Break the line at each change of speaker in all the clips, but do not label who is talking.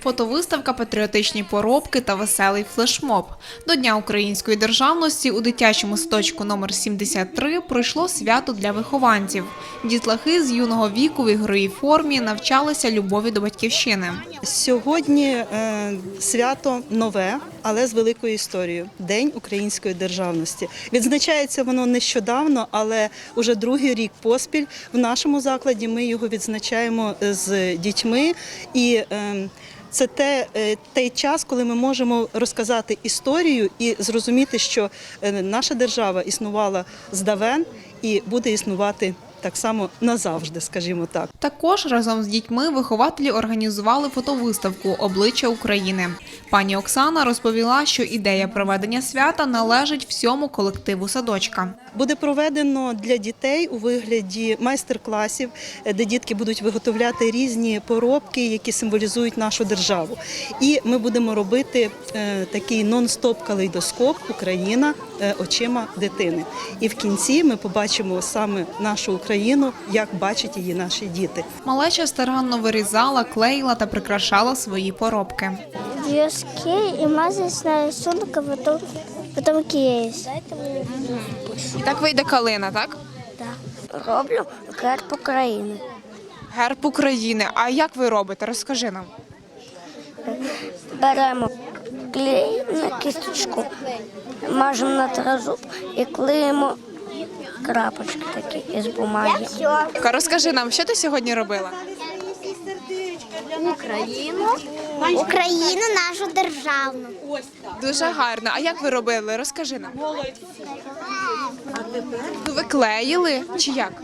Фотовиставка, патріотичні поробки та веселий флешмоб. До Дня української державності у дитячому садочку номер 73 пройшло свято для вихованців. Дітлахи з юного віку в ігровій формі навчалися любові до батьківщини.
Сьогодні свято нове, але з великою історією – День української державності. Відзначається воно нещодавно, але уже другий рік поспіль в нашому закладі ми його відзначаємо з дітьми. І це той час, коли ми можемо розказати історію і зрозуміти, що наша держава існувала здавен і буде існувати так само назавжди, скажімо так.
Також разом з дітьми вихователі організували фотовиставку «Обличчя України». Пані Оксана розповіла, що ідея проведення свята належить всьому колективу садочка.
Буде проведено для дітей у вигляді майстер-класів, де дітки будуть виготовляти різні поробки, які символізують нашу державу. І ми будемо робити такий нон-стоп калейдоскоп «Україна очима дитини». І в кінці ми побачимо саме нашу Україну, як бачать її наші діти.
Малеча старанно вирізала, клеїла та прикрашала свої поробки.
В'язки і мазать на рисунок, а потім клеїш.
І так вийде калина, так?
Так. Роблю герб України.
Герб України. А як ви робите? Розкажи нам.
Беремо клей на кісточку, мажемо на тризуб і клеїмо крапочки такі із бумаги.
Розкажи нам, що ти сьогодні робила?
Україну нашу державну.
Дуже гарно. А як ви робили? Розкажи нам. Ви клеїли чи як?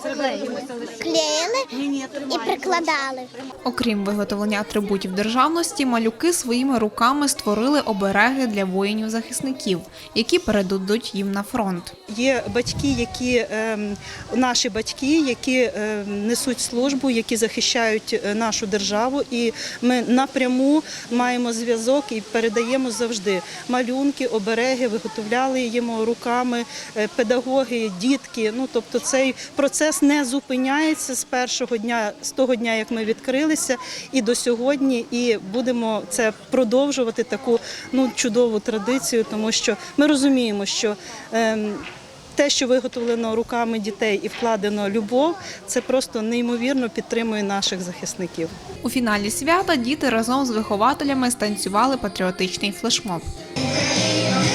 Клеїли і прикладали.
Окрім виготовлення атрибутів державності, малюки своїми руками створили обереги для воїнів-захисників, які передадуть їм на фронт.
Є батьки, наші батьки, які несуть службу, які захищають нашу державу, і ми напряму маємо зв'язок і передаємо завжди малюнки, обереги, виготовляли їм руками педагоги, дітки. Тобто цей процес не зупиняється з першого дня, з того дня, як ми відкрилися, і до сьогодні, і будемо це продовжувати таку чудову традицію, тому що ми розуміємо, що те, що виготовлено руками дітей і вкладено любов, це просто неймовірно підтримує наших захисників.
У фіналі свята діти разом з вихователями станцювали патріотичний флешмоб.